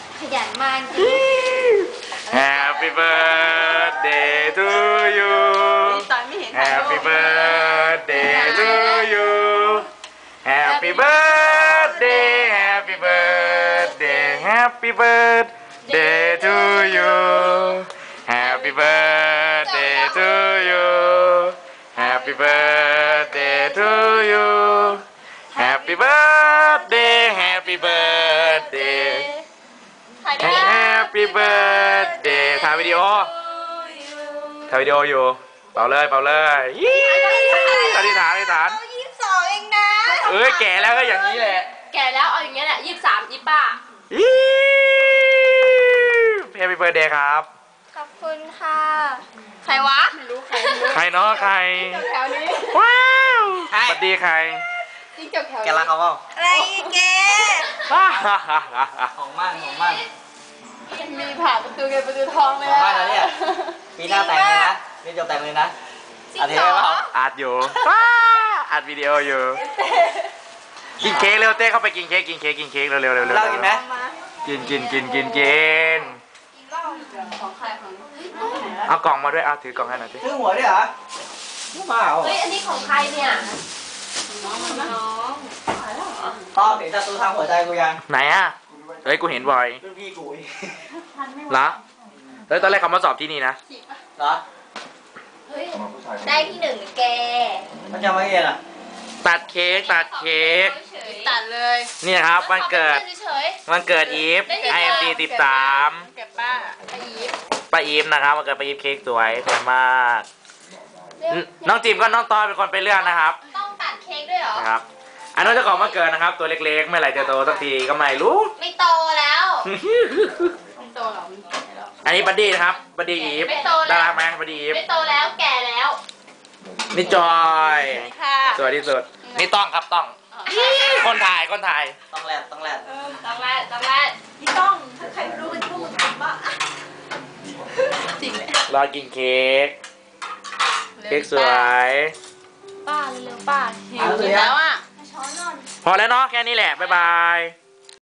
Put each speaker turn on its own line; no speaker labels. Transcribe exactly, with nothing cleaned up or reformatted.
ขยันมากจริง
Happy birthday to you
ตอนไม่เห็น
Happy birthday to you Happy birthday Happy birthday Happy birthday to you Happy birthday to you Happy birthday to you Happy birthday Happy birthday
ถ่ายได้
Happy birthday ถ่ายวิดีโอถ่ายวิดีโออยู่เป่าเลยเป่าเลยยี่อธิษฐานอธิษฐาน
ยี่สิบสองเองนะ
เอ้ยแก่แล้วก็อย่างนี้แหละ
แก่แล้วเอาอย่างเงี้ยแหละยี่สิบสามยี่สิบป้า
ยี่ Happy birthday ครับ
ขอบคุณค่ะใครวะไม่รู้ใคร
ใครเนาะใคร
แถวนี้
ว้าวสวัสดีใคร
จริงจบแถว
แกรักเขาเปล่า
อะไรแก
ของมั่นของมั่น
มีผ่าประตูเงินประตูทองเลย
ของมั่นแล้วเนี่ยปีหน้าแต่งเลยนะนี่จบแต่งเลยนะ
จริง
อาทิต
เห
ย์
ร
ได้
อ
เปล่า
อัดอยู่อัดวิดีโออยู่ กินเค้กเร็วเต้เข้าไปกินเค้กกินเค้กกินเค้กเร็วเร็วเร็ว
เหล้ากินไหม
กินกินกินกินกิน
ของใครของ
เอากล่องมาด้วยเอาถือกล่องให้หน่อยสิ
ซื้อหัวด้วยเหรอไม่มาเหรอ
เฮ้ยอันนี้ของใครเนี่ยน้องน้อง
ต้องเห็นศัตรูทางหัวใจกูยัง
ไหนอ่ะเฮ้ยกูเห็นบ่อย
รุ่นพี่กูอีก
เหรอเฮ้ยตอนแรกเขามาสอบที่นี่นะ
เหรอ
เฮ้ยได้ที่หนึ่งแก
มันจะมาเรียนอ่ะ
ตัดเค้กตัดเค้ก
ตัดเลย
นี่ครับวันเกิด
เฉย
วันเกิดอีฟ ไอ เอ็ม ดี สิบสาม
ๆเก็บป้าไปอีฟ
ป้าอีฟนะครับวันเกิดป้าอีฟเค้กสวยสวยมากนน้องจิมก็น้องตอยเป็นคนไปเลือกนะครับ
ต้องตัดเค้กด้วยเหรอ
นะครับ อันนั้นเจ้าของวันเกิดนะครับ ตัวเล็กๆเมื่อไหร่จะโตสักทีก็ไม่รู้
ไม่โตแล้วไม่โตหรอ
อันนี้บัดดี้นะครับบัดดี้อีฟ
ไม่โตแล้ว
น่ารักไหมบัดดี้อีฟ
ไม่โตแล้วแก่แล้ว
นี่จอย
ค่ะ
สวยที่สุดนี่ต้องครับต้อง คนถ่ายคนถ่าย
ต้องแลดต้องแลด
ต้องแรกต้องแรกพี่ต้องถ้าใครรู้กันพวกมึงทำบ้าจริงเลย
รอกินเค้กเค้กสวย
ป้าเร็วๆป้าหิวแล้วอ่ะช้อนนอน
พอแล้วเนาะแค่นี้แหละบ๊ายบาย